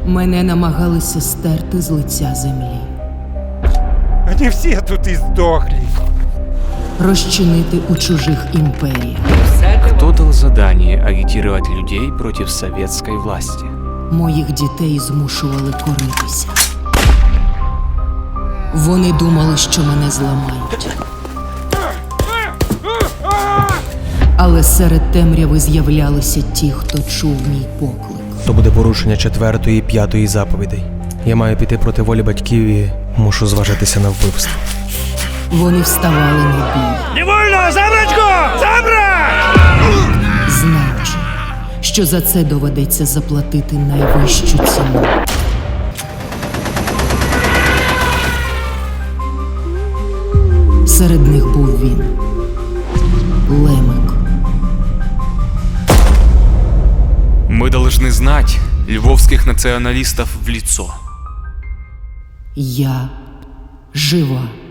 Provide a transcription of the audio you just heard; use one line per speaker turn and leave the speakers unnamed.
Мене намагалися стерти з лиця землі.
Они все тут и сдохли.
Розчинити у чужих імперіях.
Кто дал задание агитировать людей против советской власти?
Моїх дітей змушували коритися. Вони думали, що мене зламають. Але серед темряви з'являлися ті, хто чув мій поклик.
То буде порушення 4-ї і 5-ї заповідей. Я маю піти проти волі батьків і мушу зважитися на вбивство.
Вони вставали на бій.
Невольно! Забрачку! Забрать!
Знаючи, що за це доведеться заплатити найвищу ціну. Серед них був він, Лемик.
Мы должны знать львовских националистов в лицо.
Я жива.